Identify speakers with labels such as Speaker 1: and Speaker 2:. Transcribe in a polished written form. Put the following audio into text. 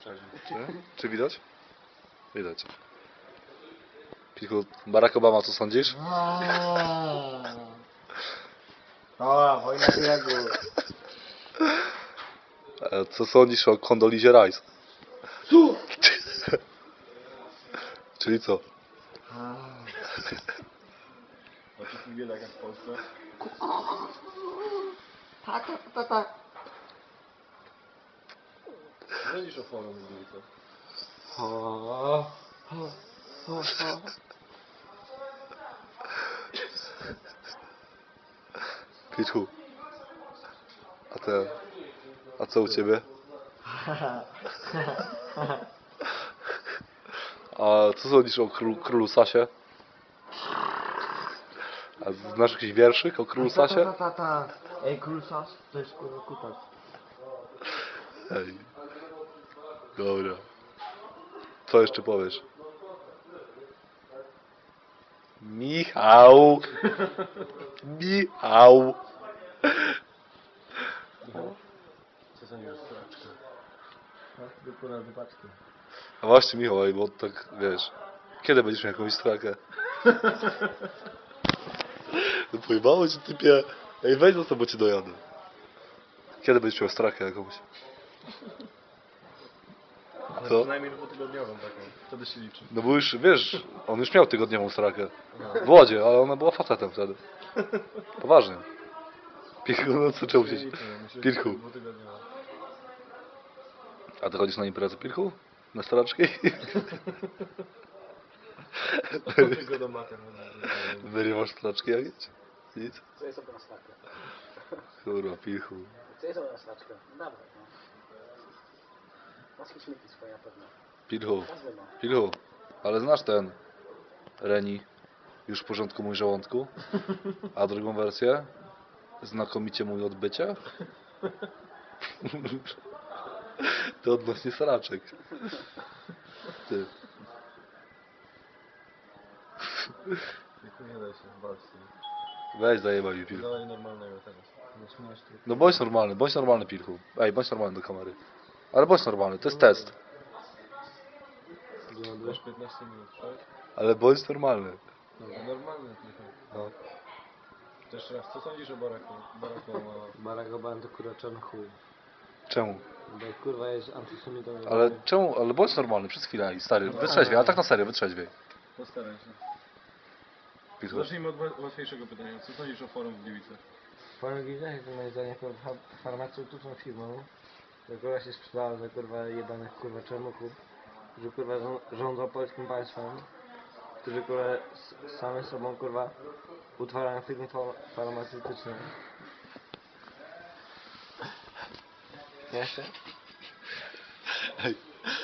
Speaker 1: Czy widać? Widać. Pichu, Barack Obama, co sądzisz?
Speaker 2: O, wojna w Iraku.
Speaker 1: Co sądzisz o Kondolizie Rice?
Speaker 2: Tu!
Speaker 1: Czyli co?
Speaker 3: A to nie tak jak w Polsce?
Speaker 2: Tak.
Speaker 3: Co sądzisz o forum w Gliwicach?
Speaker 1: Pichu. A co u ciebie? A co sądzisz o królu Sasie? A znasz jakiś wierszyk o królu Sasie?
Speaker 2: Ej, król Sas, to jest kurwa kutas.
Speaker 1: Ej. Dobra. Co jeszcze powiesz? Michał! Michał!
Speaker 3: Co sądzisz o straczkach?
Speaker 2: Do kurwa wypaczki.
Speaker 1: A właśnie Michał, ej, bo tak wiesz, kiedy będziesz miał jakąś strakę? No pojebało cię typie. Ej, weź za sobą cię dojadę. Kiedy będziesz miał strakę jakąś?
Speaker 3: Ale
Speaker 1: Co?
Speaker 3: przynajmniej dwutygodniową taką. Wtedy się liczy.
Speaker 1: No bo już, wiesz, on już miał tygodniową strakę. W Łodzie, ale ona była facetem wtedy. Poważnie. Pirchu, no co czemu się... Pirchu.
Speaker 3: Dwutygodniowa.
Speaker 1: A ty chodzisz na imprezę, Pirchu? Na straczki?
Speaker 3: Tylko do mater.
Speaker 1: Wy nie masz straczki jakieś? Nic?
Speaker 2: Co jest obra snaczka?
Speaker 1: Kurwa, Pirchu.
Speaker 2: Co jest obra snaczka? Dobra, no. Masz śmieci swoje na pewno.
Speaker 1: Pirchu.
Speaker 2: Każdy ma.
Speaker 1: Pirchu. Ale znasz ten Reni? Już w porządku mój żołądku? A drugą wersję? Znakomicie mój odbycie? To odnośnie sraczek. Ty.
Speaker 3: Nie da się, walcz.
Speaker 1: Weź zajebaj mi Pirchu.
Speaker 3: Dawaj normalnego teraz.
Speaker 1: No bądź normalny Pirchu. Ej, bądź normalny do kamery. Ale bądź normalny, to jest test.
Speaker 3: Masz 15 minut, tak?
Speaker 1: Ale bądź normalny.
Speaker 3: No, normalny tylko.
Speaker 1: No.
Speaker 3: To jeszcze raz, co sądzisz o Baracku?
Speaker 2: Barack Obama to kurwa czarny chuj.
Speaker 1: Czemu?
Speaker 2: Bo kurwa jest antysemitą.
Speaker 1: Ale czemu? Ale bądź normalny przez chwilę, stary. Wytrzeźwiej, a tak na serio, wytrzeźwiej.
Speaker 3: Postaraj się.
Speaker 1: Pirchu.
Speaker 3: Zacznijmy od łatwiejszego pytania. Co sądzisz o forum w Gliwicach?
Speaker 2: Forum Gliwicach jest moim zdaniem farmaceutyczną firmą, że kurwa się sprzedała za kurwa jebanych kurwa czarnuchów, którzy kurwa rządzą polskim państwem, którzy kurwa same sobą kurwa utwarają firmy farmaceutyczne. Jeszcze?
Speaker 1: Ej,